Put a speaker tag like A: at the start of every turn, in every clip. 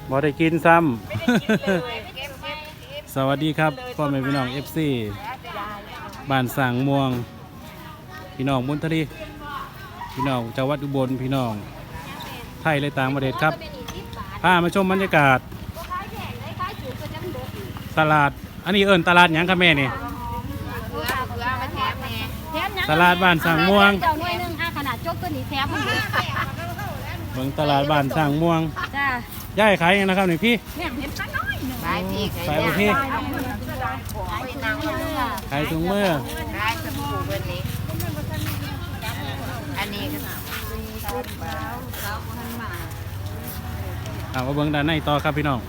A: บ่ได้กินซ้ำ สวัสดีครับพ่อแม่พี่น้อง FC บ้านสางม่วงพี่น้องมุนทรีพี่น้องจังหวัดอุบลพี่น้องไทยและต่างประเทศครับพามาชมบรรยากาศตลาดอันนี้เอิ้นตลาดหยังครับแม่นี่ตลาดบ้านสางม่วง
B: เจ้าหน่วยนึงขนาดจบตัวนี้แถม
A: เบิ่งตลาดบ้านสางม่วง
B: จ้า
A: ย่ายขายยังนะครับนี่พี่
B: เนี่ยเห็นปลาน้อยหนึ่ง
C: ขายพี่
A: ขายบ่พี่
C: ขายถุงมือ
A: ขายถุงมือ
C: ขายสบู่เบอร์นี้อันนี้ก็
A: มาเบิ่งด้านในต่อครับพี่น้อง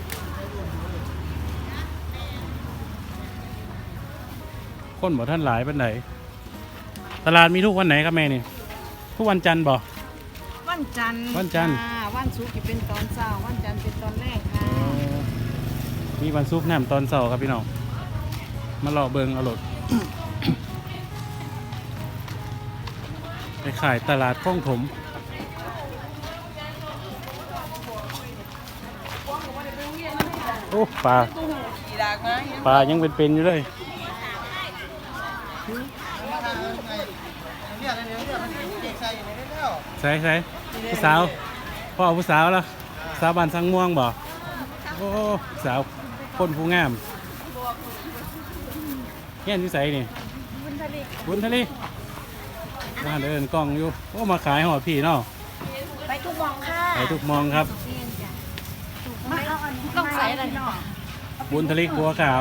A: คนบ่ท่านหลายปานใดตลาดมีทุกวันไหนครับแม่นี่ทุกวันจันทร์บ่
B: วันจันทร์
A: วันจันทร์
B: วันศุกร์จะเป็นตอนเช้าวันจันทร์เป็นตอนแรกค่ะ
A: มีวันศุกร์แหนมตอนเสาร์ครับพี่น้องมาเลาะเบิ่งเอารถ ไปขายตลาดคลองถมโอ้ปลายังเป็นอยู่เลยใส่ผู้สาวพ่อผู้สาวแล้วสาวบ้านสังม่วงบ่โอ้สาวคนผู้งามเฮียนที่ใส่นี่บุญทะเลมาเดินกล้องอยู่โอ้มาขายหอดพี่เนาะ
B: ไปทุกมองค่ะ
A: ไปทุกมองครับ
B: ต้องใส่อะไรเนาะ
A: บุญทะเลบัวขาว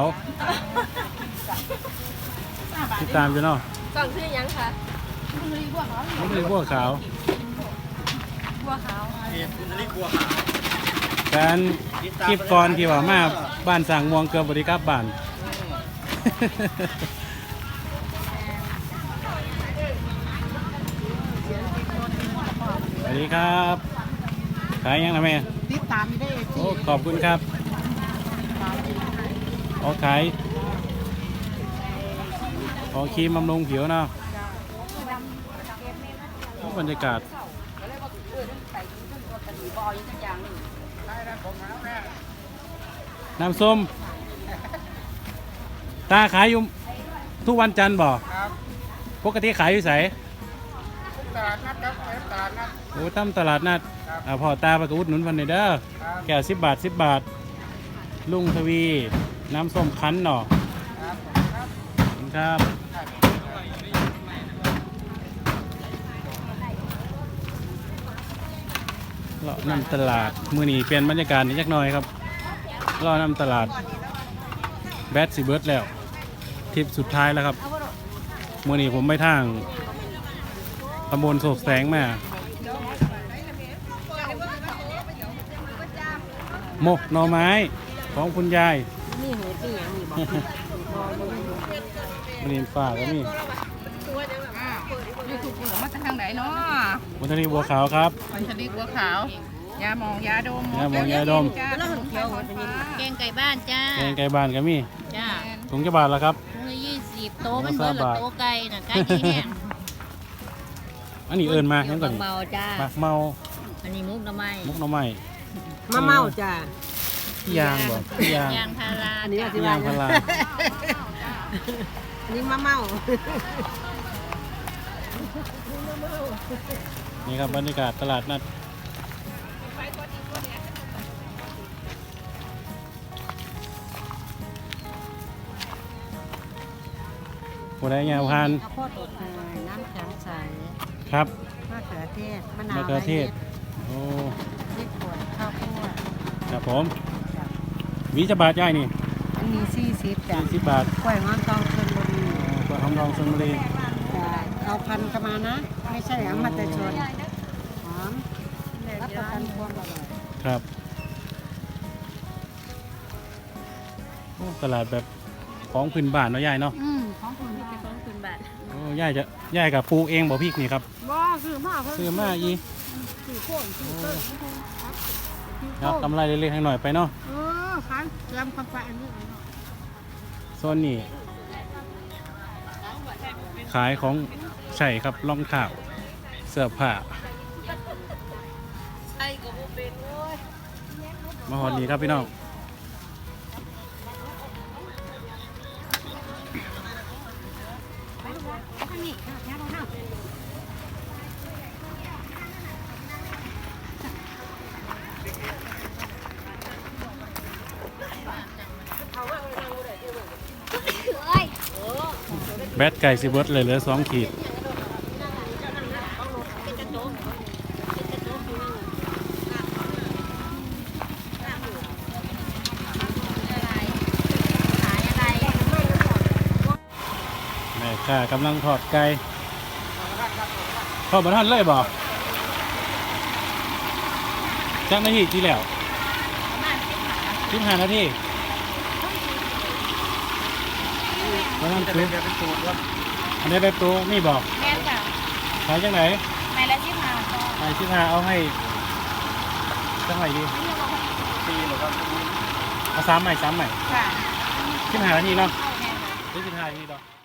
A: ติดตามอยู่เนาะ
B: กล่องชื่อยังคะบุญทะเลบัวขาว
A: บุญทะเลบัวขาว
B: บัวขาว
A: การคลิปก่อนที่ว่ามาบ้านสั่งม่วงเกือบบริการบ้าน สวัสดีครับขายยังนะแม่
B: ติดตามได้
A: โอ้ขอบคุณครับขายครีมบำรุงผิวเนาะบรรยากาศน้ำส้มตาขายอยู่ทุกวันจันทร์บ่ปกติขายอยู่ไสตลาดนัดครับตลาดนัดโอ้ตั้มตลาดนัดพ่อตาไปกอุดหนุนพันเด้อแก้ว10 บาท10 บาทลุงทวีน้ำส้มคั้นเนาะครับเลาะนำตลาดมื้อนี้เปลี่ยนบรรยากาศนิดจักหน่อยครับเลาะนำตลาดแบดสิเบิร์ดแล้วทริปสุดท้ายแล้วครับมื้อนี้ผมไปทางตำบลโศกแสงมาหมกหน่อไม้ของคุณยาย
B: นี่หูตีอย่างนี้บอก
A: มันนี่ฝ่าก็มี
C: ยูทูบเบอร์มาจากทางไหนเนาะ
A: มันทะเลบัวขาวครับ
C: มันชลิกบัวขาวยาหมองยาดม
A: ยาหมองยาดม
C: จ้าแล้วเขียวเป็นยัง
B: แกงไก่บ้านจ้า
A: แกงไก่บ้านก็มี
B: จ้า
A: ถุงจะบาทแล้วครับ
B: ถุงละ20โต๊ะมันเบิดละโต๊ะไก่น่ะไก่ที่เนี่ย
A: อันนี้เอิญมายังก่อนนี่
B: เมาจ้า
A: หมักเมา
B: อันนี้มุกหน่อไม้
A: มุกหน่อไม้
D: มะเมาจ้ะ
A: พี่ยางบ่พี่ยาง
B: ยางพารา
D: อันนี้
B: จ้ะ
A: พี่ยางพารา
D: อันนี้มะเมา
A: นี่ครับบรรยากาศตลาดนัดผู้ใดยาวพัน
D: ข้าวโพดอบเนยน้ำแข็งใส
A: ครับ
D: มะเขือเทศมะนาว
A: มะเขือเทศโอ้
D: พริกป่นข้าวโพด
A: ครับผมหวีจะบาทย่ายนี่
D: อันนี้40จ้ะ
A: 40 บาท
D: กล้วยหอมทองชลบุรี
A: กระทองรองชลบุรี
D: จ้ะเอาพันเข้ามานะ ไม่ใช่เอามาแต่ชนหอมรับประกันความอร่อย
A: ครับโอ้ตลาดแบบของพื้นบ้านเนาะยายเนาะ
B: ของคุณที่เป็นของคุณบาท
A: โอ้ยายกับปลูกเองบ่พริกนี่ครับ
D: บ่ซื้อมาเพิ่
A: ซื้อมาอี
D: ซื้อโค้งซื้อเติ้ล
A: เอากำไรเล็กๆให้หน่อยไปเนาะ
D: คันลำคำฟ้าอันนี้
A: โซนนี้ขายของใช่ครับรองเท้าเสื้อผ้า
B: ไอ้ก็บ่เป็นโอ้ย
A: มาหอดนี่ครับพี่น้องแบตไก่สิเบิร์ดเลยเหลือ2 ขีดแม่ค่ะกำลังทอดไก่ทอดบะทันเลยบ่จักนาทีที่แล้ว15 นาทีประมาณชุดอันนี้แบบตัวนี่บอก
B: แม่นจ้ะ
A: ขายจังไหน
B: ไม้ละ15บาท
A: ขาย15เอาให้จังไหนดีเอา3 ใหม่
B: ค่ะ
A: 15 นาทีเนาะ
B: แม่นจ้ะ
A: 15 นาทีเนาะ